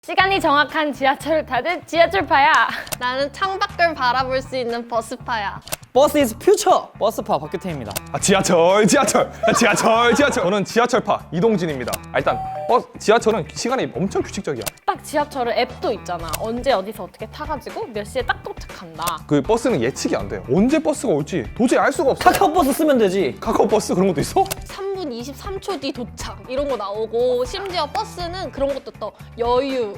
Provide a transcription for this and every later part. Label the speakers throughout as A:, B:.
A: 시간이 정확한 지하철을 타듯 지하철파야.
B: 나는 창밖을 바라볼 수 있는 버스파야.
C: 버스 이즈 퓨처! 버스파 박규태입니다.
D: 지하철. 저는 지하철파 이동진입니다. 일단 지하철은 시간이 엄청 규칙적이야.
A: 딱 지하철은 앱도 있잖아. 언제 어디서 어떻게 타가지고 몇 시에 딱 도착한다.
D: 그 버스는 예측이 안 돼요. 언제 버스가 올지 도저히 알 수가 없어.
C: 카카오버스 쓰면 되지.
D: 카카오버스 그런 것도 있어?
B: 3분 23초 뒤 도착 이런 거 나오고 심지어 버스는 그런 것도 떠. 여유,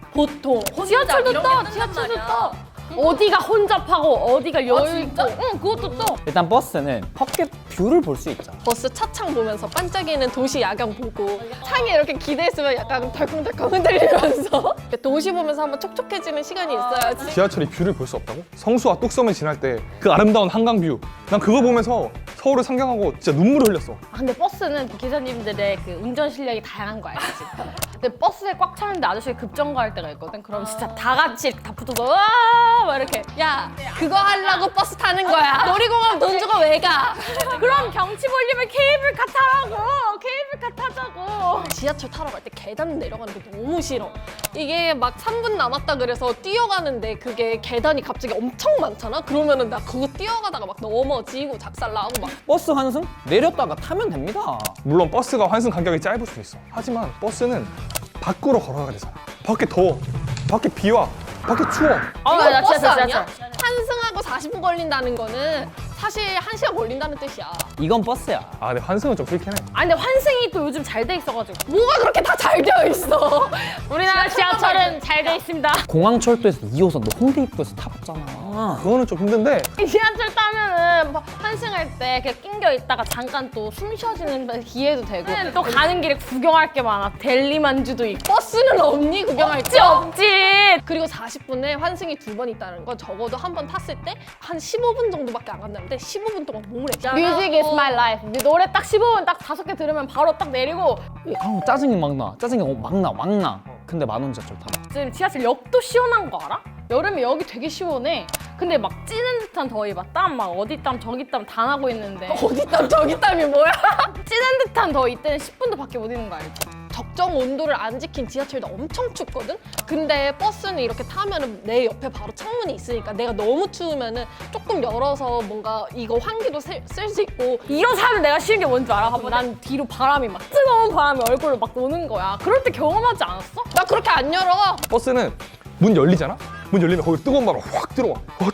B: 보통,
A: 지하철도
B: 이런
A: 떠.
B: 게
A: 지하철도
B: 뜬단
A: 떠.
B: 말이야.
A: 어디가 혼잡하고 어디가 여유 있고.
B: 진짜?
A: 응, 그것도 떠.
C: 일단 버스는 밖에 뷰를 볼 수 있잖아.
B: 버스 차창 보면서 반짝이는 도시 야경 보고 창에 이렇게 기대있으면 약간 덜컹덜컹 흔들리면서 도시 보면서 한번 촉촉해지는 시간이 있어야지.
D: 지하철이 뷰를 볼 수 없다고? 성수와 뚝섬을 지날 때 그 아름다운 한강 뷰. 난 그거 보면서 서울을 상경하고 진짜 눈물을 흘렸어.
A: 근데 버스는 기사님들의 그 운전 실력이 다양한 거 알지? 근데 버스에 꽉 차는데 아저씨가 급정거할 때가 있거든? 그럼 진짜 다 같이 다 붙어서 으아! 막 이렇게.
B: 야, 그거 하려고 버스 타는 거야. 놀이공원 돈 주고 왜 가?
A: 그럼 경치 보려면 케이블카 타라고. 케이블카 타자고.
B: 지하철 타러 갈 때 계단 내려가는 게 너무 싫어. 이게 막 3분 남았다 그래서 뛰어가는데 그게 계단이 갑자기 엄청 많잖아? 그러면은 나 그거 뛰어가다가 막 넘어지고 작살나고 막.
C: 버스 환승? 내렸다가 타면 됩니다.
D: 물론 버스가 환승 간격이 짧을 수 있어. 하지만 버스는 밖으로 걸어가야 되잖아. 밖에 더워. 밖에 비 와. 밖에 추워.
B: 이거
A: 나
B: 버스
A: 지하철,
B: 아니야?
A: 지하철.
B: 환승하고 40분 걸린다는 거는 사실 1시간 걸린다는 뜻이야.
C: 이건 버스야.
D: 근데 환승은 좀 싫긴 해.
A: 근데 환승이 또 요즘 잘 돼 있어가지고.
B: 뭐가 그렇게 다 잘 되어 있어?
A: 우리나라 지하철은 잘 돼 있습니다.
C: 공항철도에서 2호선 너 홍대 입구에서 타봤잖아.
D: 그거는 좀 힘든데
A: 지하철 타면은 뭐 환승할 때 이렇게 낑겨 있다가 잠깐 또 숨 쉬어지는 기회도 되고 또 가는 길에 구경할 게 많아. 델리만주도 있고.
B: 버스는 없니? 구경할
A: 없지
B: 때?
A: 없지.
B: 그리고 40분에 환승이 2번 있다는 건 적어도 한 번 탔을 때 한 15분 정도밖에 안 간다는데 15분 동안 뭘 해?
A: Music is my life. 네 노래 딱 15분 딱 5개 들으면 바로 딱 내리고.
C: 짜증이 막 나. 짜증이 막 나. 근데 만원 지하철 타봐.
A: 지금 지하철 역도 시원한 거 알아? 여름에 여기 되게 시원해. 근데 막 찌는 듯한 더위 막 땀 막 어디 땀 저기 땀 다 나고 있는데
B: 어디 땀 저기 땀이 뭐야?
A: 찌는 듯한 더위 때는 10분도 밖에 못 있는 거 알지?
B: 적정 온도를 안 지킨 지하철도 엄청 춥거든? 근데 버스는 이렇게 타면은 내 옆에 바로 창문이 있으니까 내가 너무 추우면은 조금 열어서 뭔가 이거 환기도 쓸 수 있고.
A: 이런 사람은 내가 싫은 게 뭔지 알아? 봐봐. 난 뒤로 바람이 막 뜨거운 바람이 얼굴로 막 오는 거야. 그럴 때 경험하지 않았어?
B: 나 그렇게 안 열어.
D: 버스는 문 열리잖아? 문 열리면 거기 뜨거운 바람 확 들어와.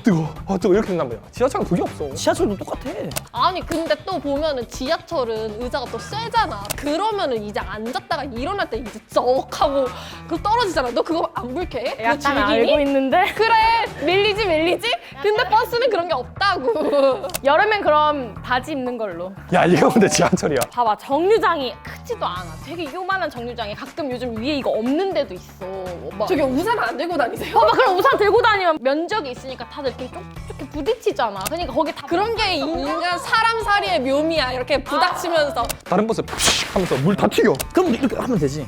D: 뜨거워 이렇게 된단 말이야. 지하철은 그게 없어.
C: 지하철도 똑같아.
B: 아니 근데 또 보면은 지하철은 의자가 또 쇠잖아. 그러면은 이제 앉았다가 일어날 때 이제 쩍 하고 그 떨어지잖아. 너 그거 안 불쾌해? 그거
A: 약간 알고 있는데
B: 그래 밀리지? 근데 버스는 그런 게 없다고.
A: 여름엔 그럼 바지 입는 걸로.
D: 야 이거 근데 지하철이야.
A: 봐봐, 정류장이 크지도 않아. 되게 요만한 정류장이 가끔 요즘 위에 이거 없는 데도 있어. 막.
B: 저기 우산 안 들고 다니세요?
A: 봐봐, 그럼 우산 들고 다니면 면적이 있으니까 다들 이렇게 이렇게 부딪히잖아. 그러니까 거기 다
B: 그런 게 인간 사람 살이의 묘미야. 이렇게 부닥치면서.
D: 다른 버스 푸쉬 하면서 물 다 튀겨.
C: 그럼 이렇게 하면 되지.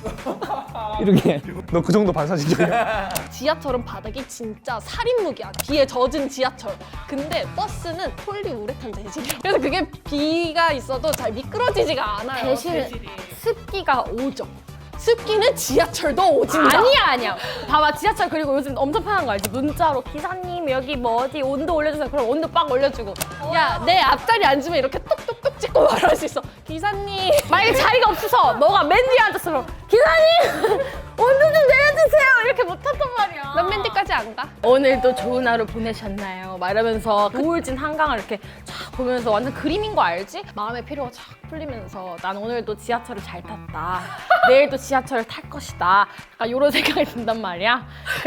C: 이렇게.
D: 너 그 정도 반사신경이야.
B: 지하철은 바닥이 진짜 살인무기야. 비에 젖은 지하철. 근데 버스는 폴리우레탄 재질이야. 그래서 그게 비가 있어도 잘 미끄러지지가 않아요.
A: 대신 습기가 오죠.
B: 습기는 지하철도 오진다.
A: 아니야. 봐봐, 지하철 그리고 요즘 엄청 편한 거 알지? 문자로 기사님 여기 뭐 어디 온도 올려주세요. 그럼 온도 빡 올려주고.
B: 야, 내 앞자리 앉으면 이렇게 똑똑똑 찍고 말할 수 있어. 기사님.
A: 만약에 자리가 없어서 너가 맨 뒤에 앉았어. 그럼 기사님 온도 좀 내려주세요. 이렇게 못한단 말이야.
B: 몇 맨디까지 안 가?
A: 오늘도 좋은 하루 보내셨나요? 막 이러면서 우울진 한강을 이렇게 쫙 보면서 완전 그림인 거 알지? 마음의 피로가 쫙 풀리면서 난 오늘도 지하철을 잘 탔다. 내일도 지하철을 탈 것이다. 약간 이런 생각이 든단 말이야.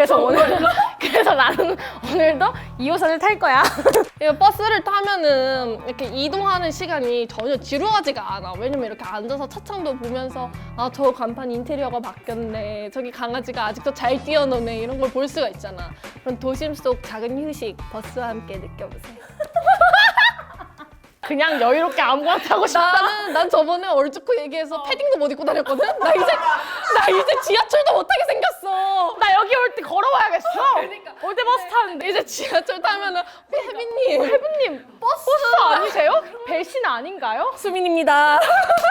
A: 그래서 나는 오늘도 2호선을 탈 거야.
B: 이거 버스를 타면은 이렇게 이동하는 시간이 전혀 지루하지가 않아. 왜냐면 이렇게 앉아서 차창도 보면서 아, 저 간판 인테리어가 바뀌었네. 저기 강아지가 아직도 잘 뛰어노네. 이런 걸 볼 수가 있잖아. 그런 도심 속 작은 휴식 버스와 함께 느껴보세요.
A: 그냥 여유롭게 아무거나 타고 싶다.
B: 난 저번에 얼죽고 얘기해서 패딩도 못 입고 다녔거든? 나 이제 지하철도 못 타게 생겼어.
A: 나 여기 올 때 걸어와야겠어. 올 때 버스 타는데.
B: 이제 지하철 타면은 혜빈님.
A: 혜빈님 버스 아니세요? 배신 아닌가요?
B: 수민입니다.